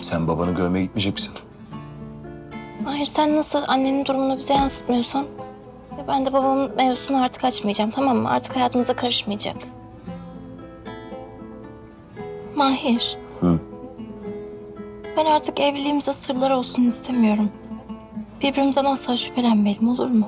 Sen babanı görmeye gitmeyecek misin? Hayır, sen nasıl annenin durumunu bize yansıtmıyorsan... Ben de babamın mevzusunu artık açmayacağım, tamam mı? Artık hayatımıza karışmayacak. Mahir. Hı. Ben artık evliliğimize sırlar olsun istemiyorum. Birbirimizden asla şüphelenmeyelim, olur mu?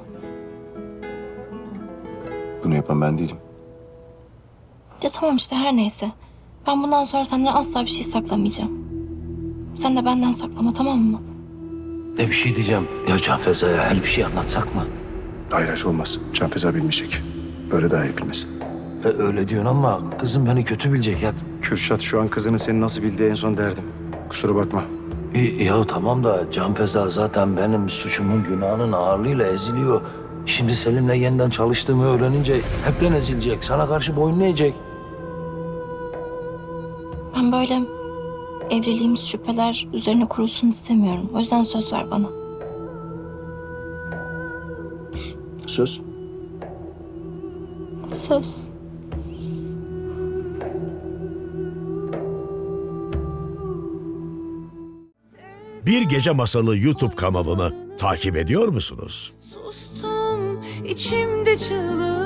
Bunu yapan ben değilim. Ya tamam işte, her neyse. Ben bundan sonra senden asla bir şey saklamayacağım. Sen de benden saklama, tamam mı? Bir şey diyeceğim. Ya Can Feza'ya her bir şey anlatsak mı? Hayır hayır olmaz. Can Feza bilmeyecek. Böyle daha iyi bilmesin. Öyle diyorsun ama kızım beni kötü bilecek hep. Kürşat şu an kızını seni nasıl bildiği en son derdim. Kusura bakma. Ya tamam da Can Feza zaten benim suçumun günahının ağırlığıyla eziliyor. Şimdi Selim'le yeniden çalıştığımı öğrenince hepten ezilecek. Sana karşı boyun eğecek. Ben böyle evliliğimiz şüpheler üzerine kurulsun istemiyorum. O yüzden söz ver bana. Söz. Söz. Bir Gece Masalı YouTube kanalını takip ediyor musunuz? Sustum içimde çığlık.